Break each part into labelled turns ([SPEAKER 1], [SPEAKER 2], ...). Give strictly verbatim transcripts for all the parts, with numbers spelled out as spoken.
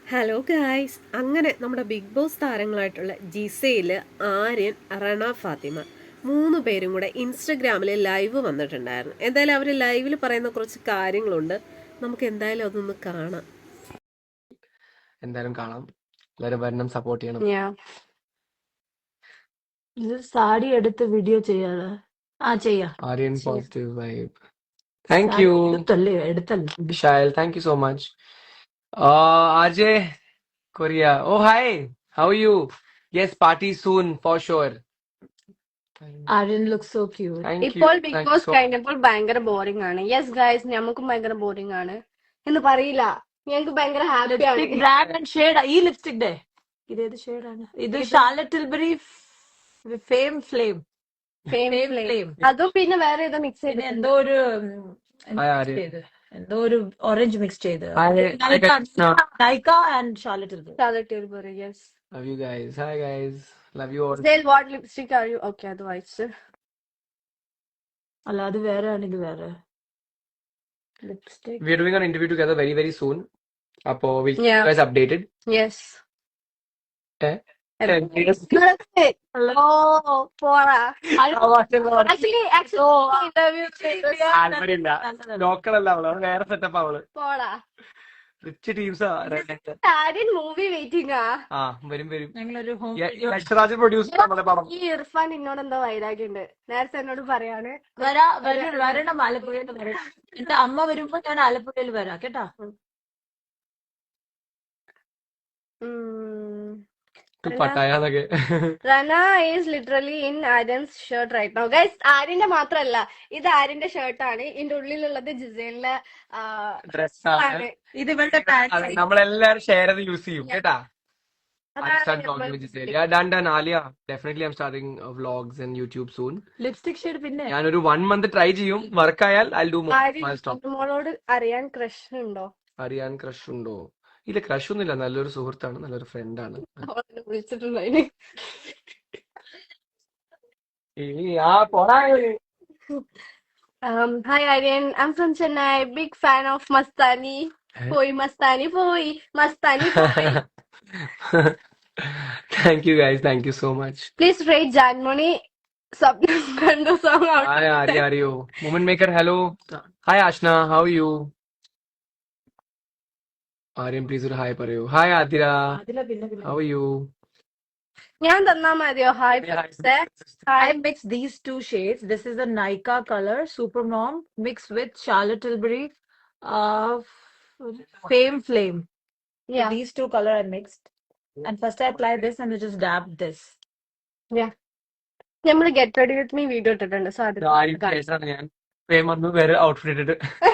[SPEAKER 1] Hello guys, അങ്ങനെ നമ്മുടെ big boss താരങ്ങളായിട്ടുള്ള ജിസയിൽ, ആര്യൻ, റണ ഫാത്തിമ മൂന്ന് പേരും കൂടെ ഇൻസ്റ്റഗ്രാമിൽ ലൈവ് വന്നിട്ടുണ്ടായിരുന്നു. എന്തായാലും അവർ ലൈവിൽ പറയുന്ന കുറച്ച് കാര്യങ്ങളുണ്ട്. നമുക്ക് എന്തായാലും അതൊന്ന് കാണാം.
[SPEAKER 2] എന്തായാലും കാണാം. എല്ലാവരും വരണം, സപ്പോർട്ട് ചെയ്യണം.
[SPEAKER 3] Yeah.
[SPEAKER 4] ഇത് സാരി എടുത്ത് വീഡിയോ ചെയ്യാറ്. ആ ചെയ്യാം.
[SPEAKER 2] ആര്യൻ
[SPEAKER 4] ചെയ്യാം.
[SPEAKER 2] Positive vibe. Thank
[SPEAKER 4] sorry
[SPEAKER 2] you
[SPEAKER 4] എടുത്തല്ലേ എടുത്തല്ലേ
[SPEAKER 2] Vishal, thank you so much. uh Ajay Korea, oh hi, how are you? Yes, party soon for sure.
[SPEAKER 4] Aryan look so cute.
[SPEAKER 2] Thank you,
[SPEAKER 3] ഇപ്പോൾ big
[SPEAKER 2] thank you
[SPEAKER 3] boss
[SPEAKER 2] so
[SPEAKER 3] കഴിഞ്ഞപ്പോൾ ഭയങ്കര boring ആണ്. Yes guys, നമുക്കും ഭയങ്കര boring ആണ് എന്ന് പറയില്ല. ഞങ്ങൾക്ക് ഭയങ്കര ഹാപ്പിയാണ്.
[SPEAKER 4] Lipstick brand and shade. ഈ ലിപ്സ്റ്റിക് ഡേ ഇതേത് ഷെയ്ഡാണ്? ഇത് Charlotte Tilbury fame flame
[SPEAKER 3] Fame
[SPEAKER 4] fame
[SPEAKER 3] flame.
[SPEAKER 4] Flame.
[SPEAKER 3] അതും പിന്നെ വേറെ ഏതോ മിക്സ്
[SPEAKER 4] പിന്നെ
[SPEAKER 3] ചെയ്തിട്ടുണ്ട്.
[SPEAKER 4] എന്തോ ഒരു
[SPEAKER 2] Hi Aryan.
[SPEAKER 4] ചെയ്ത് എന്തോ ഒരു ഓറഞ്ച് മിക്സ് ചെയ്ത്
[SPEAKER 2] Hi, hi guys. No,
[SPEAKER 4] Nykaa and Charlotte Tilbury.
[SPEAKER 3] Charlotte Tilbury, yes.
[SPEAKER 2] love you guys. Hi guys, love you all.
[SPEAKER 3] Zale, what lipstick are you? Okay, otherwise.
[SPEAKER 4] അല്ല അത് വേറെ ആണ്, ഇത് വേറെ lipstick.
[SPEAKER 2] We are doing an interview together very very soon, അപ്പോ we'll keep
[SPEAKER 3] Yeah.
[SPEAKER 2] you guys updated.
[SPEAKER 3] Yes.
[SPEAKER 2] Eh? Eh, yes.
[SPEAKER 3] Oh, പോടാ. Actually, actually, interview
[SPEAKER 2] താല്പര്യമില്ല, local അല്ല അവള്, അവള് വേറെ സെറ്റപ്പ് അവള്.
[SPEAKER 3] പോടാ.
[SPEAKER 2] റിച്ച് ടീംസാ.
[SPEAKER 3] ആര്യൻ മൂവി വെയിറ്റിംഗ് ആ.
[SPEAKER 2] ആ വരും വരും.
[SPEAKER 4] ഞങ്ങളൊരു ഹോം
[SPEAKER 2] ലക്ഷരാജ് പ്രൊഡ്യൂസർ നമ്മുടെ പടം.
[SPEAKER 3] ഈ ഇർഫാൻ എന്നോട് എന്തോ വൈരാഗ്യമുണ്ട്. നേരത്തെ എന്നോട് പറയാണ്
[SPEAKER 4] വരാ വര- വരണം, ആലപ്പുഴയിൽ വരണം. എന്റെ അമ്മ വരുമ്പോ ഞാൻ ആലപ്പുഴയിൽ വരാം കേട്ടാ.
[SPEAKER 2] പട്ടായെന്നൊക്കെ.
[SPEAKER 3] Rana is literally in Aryan's shirt right now guys. ആര്യന്റെ മാത്രല്ല, ഇത് ആര്യന്റെ ഷർട്ടാണ്. ഇതിന്റെ ഉള്ളിലുള്ളത് ജിസേലിന്റെ
[SPEAKER 2] ഡ്രസ്സാണ്.
[SPEAKER 4] ഇത് ഇവളുടെ പാൻറ്.
[SPEAKER 2] നമ്മളെല്ലാരും ഷെയർ ചെയ്ത് യൂസ് ചെയ്യും കേട്ടാ. I
[SPEAKER 3] അതാണ്
[SPEAKER 2] start
[SPEAKER 3] നമ്മൾ
[SPEAKER 2] vlogging with Giselle. Yeah, done, done, Alia. Definitely I'm starting uh, vlogs and YouTube soon.
[SPEAKER 4] Lipstick shade പിന്നെ
[SPEAKER 2] ഞാനൊരു വൺ മന്ത് ട്രൈ ചെയ്യും. വർക്ക് ആയാൽ I'll do more.
[SPEAKER 3] Aryan
[SPEAKER 2] I'll stop.
[SPEAKER 3] മോളോട് അറിയാൻ ക്രഷ് ഉണ്ടോ?
[SPEAKER 2] അറിയാൻ ക്രഷ് ഉണ്ടോ? ഇല്ല, ക്രഷ് ഒന്നുമില്ല. നല്ലൊരു സുഹൃത്താണ്, നല്ലൊരു ഫ്രണ്ടാണ്.
[SPEAKER 3] അവളെ വിളിച്ചിട്ടുണ്ടോ?
[SPEAKER 2] ആ പോടാ.
[SPEAKER 3] Um, hi Aryan, I'm from Chennai. Big fan of Mastani. പോയി മസ്താനി പോയി മസ്താനി പോയി.
[SPEAKER 2] Thank you guys, thank you so much.
[SPEAKER 3] Please rate Jaanmoni സ്വപ്നം കണ്ടു song out.
[SPEAKER 2] Hi Ari, Aryo. Moment maker, hello. Hi Ashna, how are you? Aryan, please ഒരു hi പറയൂ. Hi Adira,
[SPEAKER 4] അതില പിന്നെ പിന്നെ
[SPEAKER 2] how are you?
[SPEAKER 3] ഞാൻ തന്നാ മതിയോ? ഹായ് ഫ്രണ്ട്സേ.
[SPEAKER 4] I
[SPEAKER 3] hi.
[SPEAKER 4] mixed these two shades. This is a Nykaa color, Super Mom, mixed with Charlotte Tilbury, uh, Fame Flame. So
[SPEAKER 3] Yeah,
[SPEAKER 4] these two color I mixed. And first I apply this and I just dab this.
[SPEAKER 3] yeah. നമ്മള് get ready with me video ഇട്ടിട്ടുണ്ട്. So അത്
[SPEAKER 2] ആരും ശേഷമാണ് ഞാൻ വേഗം വന്ന് വേറെ outfit ഇട്ടിട്ട്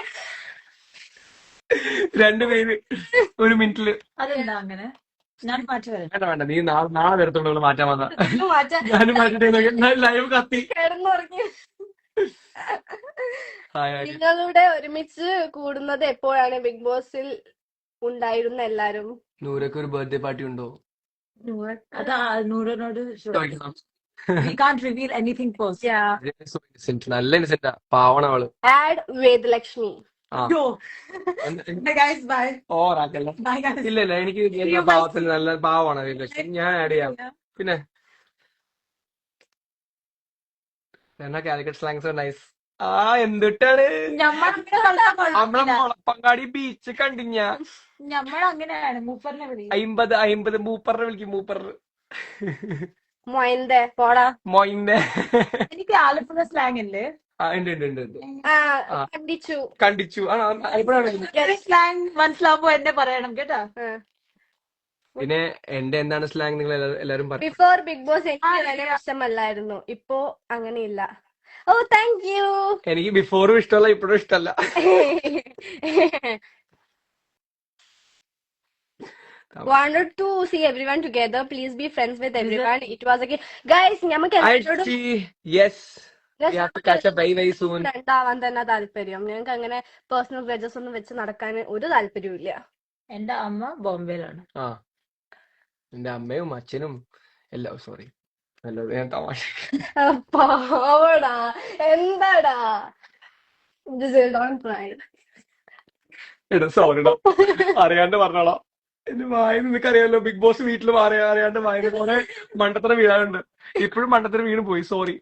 [SPEAKER 2] രണ്ടുപേര് ഒരു മിനിറ്റില്.
[SPEAKER 4] അതെന്താ അങ്ങനെ? ഞാൻ മാറ്റി വരാം.
[SPEAKER 2] വേണ്ട വേണ്ട, നീ നാളെ നാളെ വരത്തുള്ളൂ മാറ്റാൻ വന്ന.
[SPEAKER 3] മാറ്റാൻ
[SPEAKER 2] ഞാനും മാറ്റിട്ട് ലൈവ് കത്തി.
[SPEAKER 3] കിടന്നുറങ്ങി.
[SPEAKER 2] Hi, Aryan.
[SPEAKER 3] നിങ്ങളുടെ ഒരുമിച്ച് കൂടുന്നത് എപ്പോഴാണ്? ബിഗ് ബോസിൽ ഉണ്ടായിരുന്ന എല്ലാരും.
[SPEAKER 2] നൂരക്ക് ഒരു ബർത്ത്ഡേ പാർട്ടി ഉണ്ടോ?
[SPEAKER 4] അതാ നൂറിനോട്
[SPEAKER 2] ചോദിക്കണം.
[SPEAKER 4] we can't reveal anything first.
[SPEAKER 3] Yeah.
[SPEAKER 2] So innocent, നല്ല ഇന്നസെന്റാ, പാവണ അവള്.
[SPEAKER 3] Add വേദലക്ഷ്മി.
[SPEAKER 2] ആ
[SPEAKER 4] Yo. Bye guys, bye.
[SPEAKER 2] ഓറാക്കല്ല.
[SPEAKER 4] Bye guys.
[SPEAKER 2] ഇല്ല ഇല്ല, എനിക്ക് എല്ലാ പാവത്തിൽ നല്ല പാവമാണ് ലക്ഷ്മി. ഞാൻ ആഡ് ചെയ്യാം. പിന്നെ എന്നാ കാലിക്കറ്റ് സ്ലാങ്സ് നൈസ്. ആ എന്തിട്ടാണ്
[SPEAKER 4] ഞമ്മളങ്ങനെ കളിക്കാൻ
[SPEAKER 2] നമ്മളെ
[SPEAKER 4] കൊള്ളില്ല.
[SPEAKER 2] മുളപ്പങ്കാടി ബീച്ച് കണ്ടിഞ്ഞ
[SPEAKER 4] ഞമ്മളങ്ങനെയാണ് മൂപ്പറിനെ വിളി.
[SPEAKER 2] അയിമ്പത് അയിമ്പത് മൂപ്പറിനെ വിളിക്കും. മൂപ്പർ
[SPEAKER 3] മൊയന്റെ പോടാ.
[SPEAKER 2] മൊയിന്റെ.
[SPEAKER 4] എനിക്ക് ആലപ്പുഴ സ്ലാങ് ഇല്ലേ?
[SPEAKER 2] ആ ഉണ്ട് ഉണ്ട് ഉണ്ട് ഉണ്ട്.
[SPEAKER 3] ആ
[SPEAKER 2] ആ.
[SPEAKER 3] കണ്ടിച്ചു.
[SPEAKER 2] കണ്ടിച്ചു. ആ എപ്പോഴാണ്?
[SPEAKER 4] സ്ലാങ് മനസ്സിലാവുമ്പോ എന്നെ പറയണം കേട്ടാ.
[SPEAKER 2] പിന്നെ എന്റെ എന്താണ് സ്ലാങ് നിങ്ങൾ എല്ലാരും പറയും.
[SPEAKER 3] ബിഫോർ ബിഗ് ബോസ് എനിക്ക്
[SPEAKER 4] ആ,
[SPEAKER 3] അങ്ങനെ
[SPEAKER 4] yeah.
[SPEAKER 3] ഇഷ്ടമല്ലായിരുന്നു. ഇപ്പോ അങ്ങനെയില്ല. ഓ താങ്ക് യു.
[SPEAKER 2] എനിക്ക് ബിഫോറും ഇഷ്ടമല്ല, ഇപ്പോഴും ഇഷ്ടമല്ല.
[SPEAKER 3] Wanted to see everyone together. Please be friends with everyone. It was okay. Guys, നമുക്ക്
[SPEAKER 2] I
[SPEAKER 3] എല്ലാവരോടും
[SPEAKER 2] see. Yes. We have to catch up very very soon.
[SPEAKER 3] Friend ആവാൻ തന്നെ താല്പര്യം. ഞങ്ങൾക്ക് അങ്ങനെ പേഴ്സണൽ ഗ്രജസ് ഒന്നും വെച്ച് നടക്കാൻ ഒരു താല്പര്യവും ഇല്ല.
[SPEAKER 4] എന്റെ അമ്മ ബോംബെയിലാണ്.
[SPEAKER 2] ആ എന്റെ അമ്മയും അച്ഛനും എല്ലാം. സോറി, നല്ലത് ഞാൻ തമാശ.
[SPEAKER 3] പാവടാ, എന്താടാ. Just don't try.
[SPEAKER 2] എടാ സോറിടാ, അറിയാണ്ട് പറഞ്ഞോളാം. എന്റെ വായ നിനക്കറിയാലോ, ബിഗ് ബോസ് വീട്ടിൽ മാറി അറിയാണ്ട് വായ പോലെ മണ്ടത്തരം വീഴാറുണ്ട്. ഇപ്പോഴും മണ്ടത്തരം വീണ് പോയി, സോറി.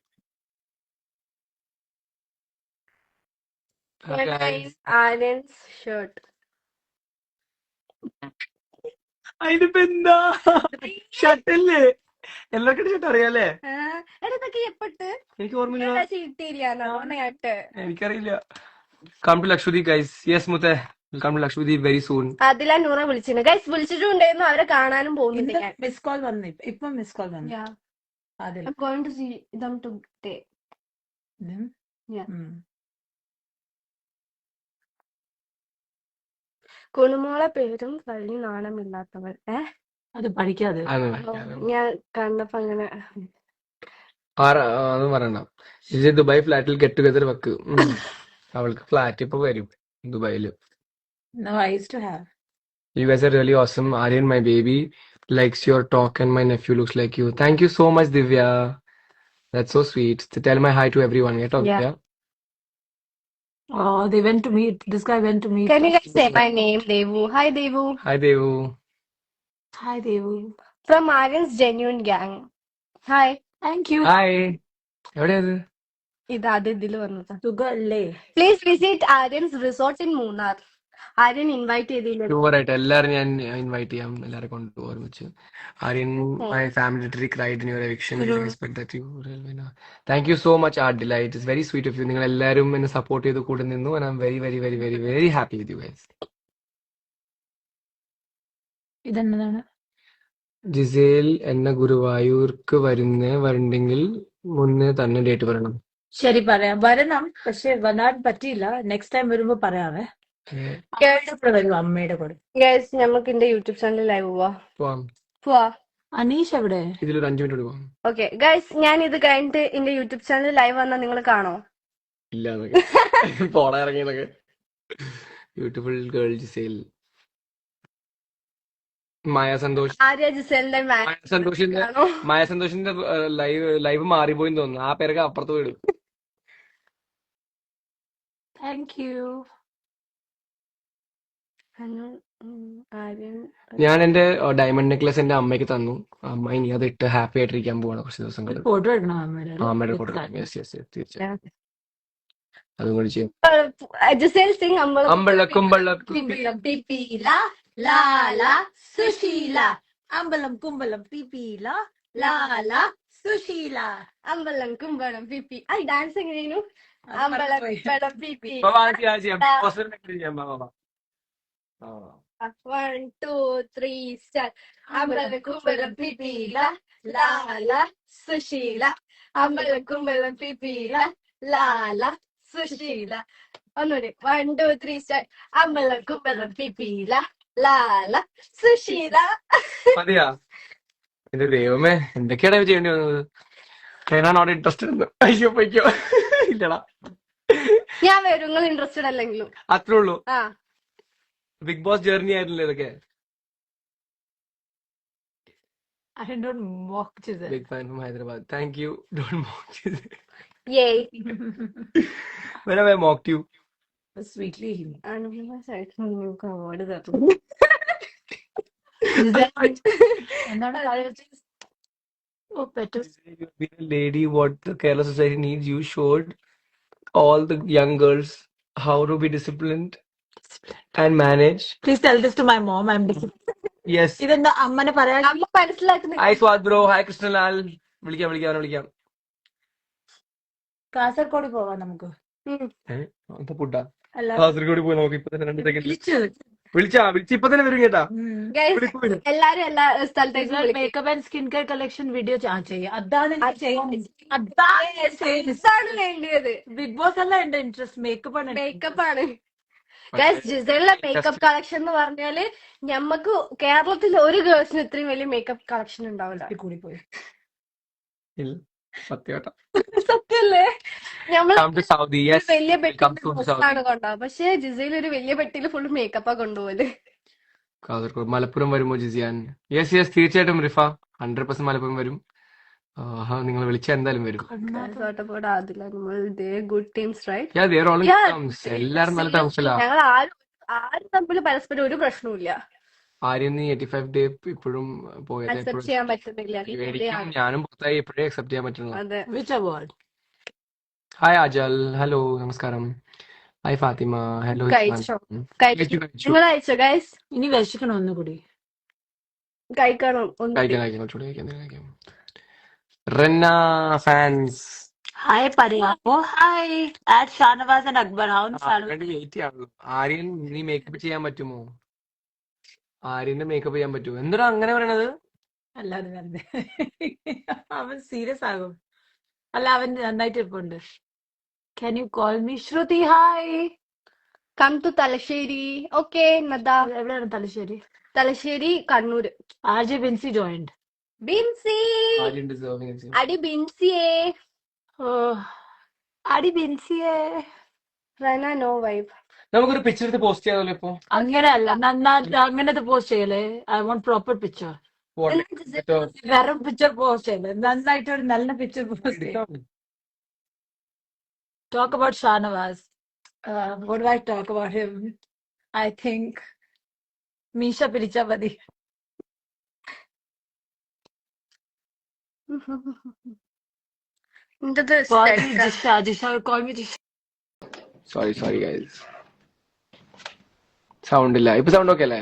[SPEAKER 3] Aryans shirt.
[SPEAKER 2] അതിനിപ്പോ എന്താ, ഷർട്ടല്ലേ, എല്ലാവർക്കും ഷർട്ട് അറിയാലേ.
[SPEAKER 3] ഇതൊക്കെ എപ്പോട്ട്
[SPEAKER 2] എനിക്ക് ഓർമ്മയില്ല,
[SPEAKER 3] ചീട്ടിരിക്കാനാട്ട്.
[SPEAKER 2] എനിക്കറിയില്ല. Come to Lakshadweep guys. Yes മുത്തേ, come to Lakshadweep very soon.
[SPEAKER 3] അതിലാ നൂറ വിളിച്ചിരുന്നു ഗൈസ്, വിളിച്ചിട്ടുണ്ടായിരുന്നു. അവരെ കാണാനും പോകുന്നുണ്ട്
[SPEAKER 4] ഇന്ന്
[SPEAKER 3] ഞാൻ.
[SPEAKER 4] മിസ് കോൾ വന്നു, ഇപ്പ- ഇപ്പൊ മിസ് കോൾ വന്നു.
[SPEAKER 3] Yeah.
[SPEAKER 4] അതിൽ
[SPEAKER 3] I'm going to see them today.
[SPEAKER 4] ഉം.
[SPEAKER 3] Yeah.
[SPEAKER 4] ഉം.
[SPEAKER 3] കുണുമോളെ പേരും കള്ളി നാണമില്ലാത്തവൾ. ഏ
[SPEAKER 4] അത് പഠിക്കാതെ
[SPEAKER 3] ഞാൻ കണ്ടപ്പോ അങ്ങനെ.
[SPEAKER 2] അതൊന്നും പറയണ്ട. ഇത് ദുബായ് ഫ്ലാറ്റിൽ ഗെറ്റ് ടുഗദർ വെക്ക്. ഉം. അവൾക്ക് ഫ്ലാറ്റ് ഇപ്പൊ വരും ദുബായില്.
[SPEAKER 4] No, I used to have.
[SPEAKER 2] You guys are really awesome. Aryan, my baby, likes your talk and my nephew looks like you. Thank you so much, Divya. That's so sweet. To tell my hi to everyone. Yeah, talk,
[SPEAKER 3] Yeah.
[SPEAKER 2] yeah.
[SPEAKER 4] Oh, they went to meet. This guy went to meet.
[SPEAKER 3] Can you guys say my name, Devu? Hi, Devu.
[SPEAKER 2] Hi, Devu.
[SPEAKER 4] Hi, Devu.
[SPEAKER 3] From Aryan's Genuine Gang. Hi.
[SPEAKER 4] Thank you.
[SPEAKER 2] Hi. എവിടെയാ ഇത്?
[SPEAKER 3] ഇത് ആദ്യം ഇതിൽ വന്നതാ.
[SPEAKER 4] സുഖല്ലേ?
[SPEAKER 3] Please visit Aryan's resort in Munnar. Aryan invite ചെയ്തില്ല.
[SPEAKER 2] ഷുവറായിട്ട് എല്ലാവരും ഞാൻ ഇൻവൈറ്റ് ചെയ്യാം, എല്ലാവരും കൊണ്ട് ഒരുമിച്ച്. Aryan, my family literally cried in your eviction. I expect that you will. Thank you so much art delight. It's very sweet of you. നിങ്ങൾ എല്ലാവരും എന്നെ സപ്പോർട്ട് ചെയ്ത് കൂടെ നിന്നു. And I am very very very very very happy with you guys.
[SPEAKER 4] ഇതെന്നതാണ്?
[SPEAKER 2] Giselle എന്ന ഗുരുവായൂർക്ക് വരുന്നേ വരണ്ടെങ്കിൽ മുന്നേ തന്നെ ഡേറ്റ് പറയണം.
[SPEAKER 4] ശരി, പറയാം. വരണം, പക്ഷെ വരാൻ പറ്റിയില്ല. നെക്സ്റ്റ് ടൈം വരുമ്പോ പറയാവേ. അമ്മയുടെ കൂടെ വരും, അമ്മയുടെ കൂടെ.
[SPEAKER 3] ഗൈസ് നമുക്ക് എന്റെ യൂട്യൂബ് ചാനലിൽ ലൈവ് പോവാ.
[SPEAKER 2] പോവാം.
[SPEAKER 3] പോവാ.
[SPEAKER 4] അനീഷ് എവിടെ?
[SPEAKER 2] ഇതിലൊരു അഞ്ചു മിനിറ്റ് പോവാം.
[SPEAKER 3] ഓക്കെ ഗൈസ്, ഞാൻ ഇത് കഴിഞ്ഞിട്ട് എന്റെ യൂട്യൂബ് ചാനലിൽ ലൈവ് വന്നാൽ നിങ്ങൾ കാണോ?
[SPEAKER 2] ഇല്ല പോടാ ഇറങ്ങിയെന്നൊക്കെ. Beautiful girl Giselle. Maya Santhosh.
[SPEAKER 3] Arya ജിസേലിന്റെ
[SPEAKER 2] മായ സന്തോഷിന്റെ
[SPEAKER 3] കാണോ?
[SPEAKER 2] മായ സന്തോഷിന്റെ ലൈവ് ലൈവ് മാറിപ്പോയി തോന്നുന്നു. ആ പേരൊക്കെ അപ്പുറത്ത് വീടും.
[SPEAKER 4] Thank you.
[SPEAKER 3] ആര്യൻ
[SPEAKER 2] ഞാൻ എന്റെ ഡയമണ്ട് നെക്ലസ് എന്റെ അമ്മയ്ക്ക് തന്നു. അമ്മ ഇനി അത് ഇട്ട് ഹാപ്പി ആയിട്ടിരിക്കാൻ പോവാണ് കുറച്ച് ദിവസങ്ങൾ.
[SPEAKER 4] ഫോട്ടോ എടുക്കണം അമ്മയുടെ.
[SPEAKER 2] അമ്മയുടെ കൂടെ. യെസ് യെസ് തീർച്ചയായും അതും കൂടി ചെയ്യും.
[SPEAKER 3] ജിസേൽ സിംഗ് അമ്പലം
[SPEAKER 2] അമ്പഴക്കുമ്പഴക്കും
[SPEAKER 4] കുമ്പളം പിപ്പില ലാല സുശീല. അമ്പലം കുമ്പളം പിപ്പില ലാല സുശീല.
[SPEAKER 3] അമ്പലം കുമ്പളം പിപ്പി. ആ ഡാൻസ് എങ്ങനെയായിരുന്നു? അമ്പലം കുമ്പളം പിപ്പി. One two three star. അമ്പലം കുമ്പളം പിപ്പില ലാല സുശീല. അമ്പലം കുമ്പളം പിപ്പില ലാല സുശീല. ഒന്നുകൂടി. One two three star. അമ്പലം കുമ്പളം പിപ്പില ലാല സുശീല.
[SPEAKER 2] മതിയാ? എന്റെ ദൈവമേ, എന്തൊക്കെയാണ് ചെയ്യേണ്ടി വന്നത്? Not interested. അയ്യോ പൊയ്ക്കോ. ഇല്ലടാ,
[SPEAKER 3] ഞാൻ വരും, നിങ്ങൾ ഇൻട്രസ്റ്റഡ് അല്ലെങ്കിലും.
[SPEAKER 2] അത്രേ ഉള്ളൂ.
[SPEAKER 3] ആ
[SPEAKER 2] ബിഗ് ബോസ് ജേർണി ആയിരുന്നില്ലേ ഇതൊക്കെ?
[SPEAKER 4] I don't mock Giselle.
[SPEAKER 2] Big fan from Hyderabad. Thank you. Don't mock you.
[SPEAKER 3] Yay.
[SPEAKER 2] When have I mocked you?
[SPEAKER 4] Sweetly.
[SPEAKER 3] Anupama സൈഡിൽ നിങ്ങൾക്ക് അവാർഡ് തരും.
[SPEAKER 4] എന്താണ് കാര്യം? Oh, better.
[SPEAKER 2] You've been a lady. What the Kerala society needs. You showed all the young girls how to be disciplined and manage.
[SPEAKER 4] Please tell this to my mom. I'm disappointed.
[SPEAKER 2] Yes.
[SPEAKER 4] ഇതെന്താ അമ്മനെ പറയാൻ?
[SPEAKER 3] അമ്മ മനസ്സിലാക്കുന്ന
[SPEAKER 2] Hi Swad bro. Hi Krishnalal. വിളിക്കാം വിളിക്കാം വിളിക്കാം.
[SPEAKER 4] കാസർഗോഡ് പോവാം നമുക്ക്.
[SPEAKER 2] ഏഹ് അപ്പൊ പുട്ടാ
[SPEAKER 4] അല്ല,
[SPEAKER 2] കാസർഗോഡ് പോയി നമുക്ക് ഇപ്പൊ തന്നെ രണ്ട് സെക്കൻഡ്
[SPEAKER 4] വിളിച്ചു.
[SPEAKER 2] വിളിച്ചാ വിളിച്ച് ഇപ്പൊ തന്നെ വരും കേട്ടാ.
[SPEAKER 3] Guys,
[SPEAKER 2] വിളിക്കും വരും.
[SPEAKER 3] എല്ലാരും എല്ലാ സ്ഥലത്തേക്കും വിളിക്കും.
[SPEAKER 4] Makeup and skin care collection video ചെയ്യാം. അതാണ് എനിക്ക് ചെയ്യാൻ അതാണ്
[SPEAKER 3] ഇതാണ് വേണ്ടിയത്.
[SPEAKER 4] ബിഗ് ബോസ് അല്ല എന്റെ ഇൻട്രസ്റ്റ്, മേക്കപ്പ് ആണ്.
[SPEAKER 3] മേക്കപ്പ് ആണ്. ഗൈസ്, ജിസലിന്റെ മേക്കപ്പ് കളക്ഷൻ എന്ന് പറഞ്ഞാല് ഞമ്മക്ക് കേരളത്തിൽ ഒരു ഗേൾസിന് ഇത്രയും വലിയ മേക്കപ്പ് കളക്ഷൻ ഉണ്ടാവില്ല.
[SPEAKER 4] കൂടി പോയി.
[SPEAKER 2] ഇല്ല, സത്യമായിട്ടാ.
[SPEAKER 3] സത്യല്ലേ? ഞമ്മള്
[SPEAKER 2] Come to Saudi. Yes.
[SPEAKER 3] വലിയ
[SPEAKER 2] Come to
[SPEAKER 3] പെട്ടിയിൽ
[SPEAKER 2] Saudi.
[SPEAKER 3] ആണ് കൊണ്ടുപോകുക. പക്ഷെ ജിസയിൽ ഒരു വലിയ പെട്ടിയിൽ ഫുള്ള് മേക്കപ്പാ കൊണ്ടുപോകല്.
[SPEAKER 2] കാസർഗോഡ് മലപ്പുറം വരുമോ ജിസിയാൻ? യെസ് യെസ് തീർച്ചയായിട്ടും റിഫ. ഹൺഡ്രഡ് പെർസെന്റ് മലപ്പുറം വരും. നിങ്ങൾ വിളിച്ചാൽ എന്തായാലും വരും.
[SPEAKER 3] സോട്ടപ്പോട് ആദില, നമ്മൾ ദേ good teams right.
[SPEAKER 2] Yeah, they are all in
[SPEAKER 3] Yeah.
[SPEAKER 2] terms. എല്ലാരും നല്ല ടേംസിലാ.
[SPEAKER 3] ഞങ്ങൾ ആരും ആരും തമ്മിൽ പരസ്പരം ഒരു പ്രശ്നവുമില്ല.
[SPEAKER 2] ആര്യൻ ഈ എയ്റ്റി ഫൈവ് ഡേ ഇപ്പോഴും പോയത്
[SPEAKER 3] അക്സെപ്റ്റ്
[SPEAKER 2] എപ്പോഴും
[SPEAKER 3] ചെയ്യാൻ പറ്റുന്നില്ല.
[SPEAKER 2] എനിക്കും
[SPEAKER 3] ഇവിടെയാണ്.
[SPEAKER 2] ഞാനും പുറത്തായി എപ്പോഴേ അക്സെപ്റ്റ് ചെയ്യാൻ പറ്റുന്നത്.
[SPEAKER 3] അതെ.
[SPEAKER 4] Which award?
[SPEAKER 2] Hi Ajal, hello, നമസ്കാരം. Hi Fathima, hello.
[SPEAKER 3] കഴിച്ചോ? കഴിച്ചു.
[SPEAKER 2] കഴിച്ചു
[SPEAKER 3] നിങ്ങൾ കഴിച്ചോ ഗൈസ്?
[SPEAKER 4] ഇനി വിശക്കണം ഒന്നുകൂടി.
[SPEAKER 3] കഴിക്കണം ഒന്നുകൂടി.
[SPEAKER 2] കഴിക്കാൻ കഴിക്കാൻ കുറച്ചുകൂടി കഴിക്കാൻ എന്തെങ്കിലും കഴിക്കാം. റെന്ന ഫാൻസ്
[SPEAKER 4] ഹായ് പറയാമോ? ഹായ് ആറ്റ് ഷാനവാസ് ആൻഡ് അക്ബർ. അവൻ
[SPEAKER 2] വേണ്ടി വെയിറ്റ് ചെയ്യാവുള്ളൂ. ആര്യൻ നീ മേക്കപ്പ് ചെയ്യാൻ പറ്റുമോ? ആര്യന്റെ മേക്കപ്പ് ചെയ്യാൻ പറ്റുമോ? എന്തിനാ അങ്ങനെ പറയണത്?
[SPEAKER 4] അല്ലാതെ വെറുതെ അവൻ സീരിയസ് ആകും. അല്ല അവൻ നന്നായിട്ട് ഇരിപ്പുണ്ട്. Can you call me Shruthi? Hi.
[SPEAKER 3] Come to Thalassery. Okay Nada.
[SPEAKER 4] എവിടെയാണ് Thalassery?
[SPEAKER 3] Thalassery Kannur.
[SPEAKER 4] R J Binsi joined.
[SPEAKER 3] Binsi
[SPEAKER 2] Aryan deserving.
[SPEAKER 3] അടി ബിൻസിയേ.
[SPEAKER 4] ഓ അടി ബിൻസിയെ.
[SPEAKER 3] Rana no vibe.
[SPEAKER 2] നമുക്കൊരു പിക്ചർ എടുത്ത് പോസ്റ്റ് ചെയ്യാമല്ലോ ഇപ്പൊ.
[SPEAKER 4] അങ്ങനെയല്ല നന്നായിട്ട് അങ്ങനത്തെ പോസ്റ്റ് ചെയ്യലേ. I want proper picture. വെറും പിക്ചർ പോസ്റ്റ് ചെയ്യലേ. നന്നായിട്ട് ഒരു നല്ല പിക്ചർ പോസ്റ്റ് ചെയ്യും. Talk about Shanavas. Uh, what do I talk about him? I think Misha Pirichavadi.
[SPEAKER 3] എന്തത്
[SPEAKER 4] Call me
[SPEAKER 3] സ്റ്റെക്ക?
[SPEAKER 4] Jisha. Jisha, call me Jisha.
[SPEAKER 2] Sorry sorry guys, sound ഇല്ല. ഇപ്പൊ സൗണ്ട് ഓക്കെ അല്ലേ?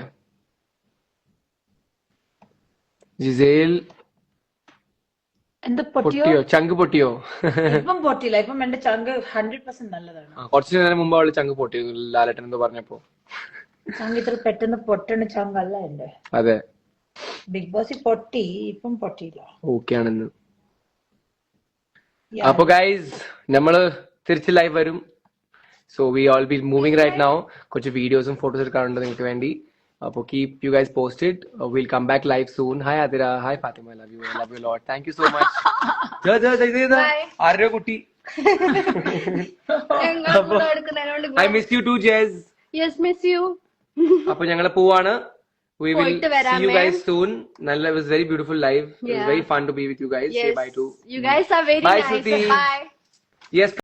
[SPEAKER 2] ജിസേൽ
[SPEAKER 4] എന്താ പൊട്ടിയോ?
[SPEAKER 2] പൊട്ടിയോ? ചങ്ക് പൊട്ടിയോ?
[SPEAKER 4] ഇപ്പം പൊട്ടിയില്ല. ഇപ്പം എന്റെ ചങ്ക് ഹൺഡ്രഡ് പെർസെന്റ് നല്ലതാണ്.
[SPEAKER 2] ആ, കുറച്ചു നേരം മുമ്പ് അവള് ചങ്ക് പൊട്ടിയിരുന്നു ലാലേട്ടൻ എന്ന് പറഞ്ഞപ്പോ.
[SPEAKER 4] ചങ്ക് ഇത്ര പെട്ടെന്ന് പൊട്ടണ ചങ്കല്ല എന്റെ.
[SPEAKER 2] അതെ,
[SPEAKER 4] ബിഗ് ബോസിൽ പൊട്ടി, ഇപ്പം പൊട്ടിയില്ല.
[SPEAKER 2] ഓക്കെ ആണെന്ന്.
[SPEAKER 4] Yeah.
[SPEAKER 2] അപ്പൊ ഗൈസ് നമ്മള് തിരിച്ച് ലൈവ് വരും. So we all be moving right now. കുറച്ച് വീഡിയോസും ഫോട്ടോസും എടുക്കാറുണ്ട് നിങ്ങൾക്ക് വേണ്ടി. അപ്പൊ keep you guys posted. Will come back live soon. Hi Athira, hi Fathima, I love you, I love you lot. Thank you so much. ആരോ കുട്ടി. I miss you too Jess.
[SPEAKER 3] Yes miss you.
[SPEAKER 2] അപ്പൊ ഞങ്ങള് പോവാണ്. We will
[SPEAKER 3] പോയിട്ട്
[SPEAKER 2] see
[SPEAKER 3] വരാം
[SPEAKER 2] you guys
[SPEAKER 3] ma'am.
[SPEAKER 2] soon. Nalla, it was very beautiful live. It was
[SPEAKER 3] Yeah.
[SPEAKER 2] very fun to be with you guys. Say
[SPEAKER 3] Yes.
[SPEAKER 2] bye to.
[SPEAKER 3] You guys are very
[SPEAKER 2] Bye,
[SPEAKER 3] nice.
[SPEAKER 2] Shruti.
[SPEAKER 3] Bye.
[SPEAKER 2] Yes.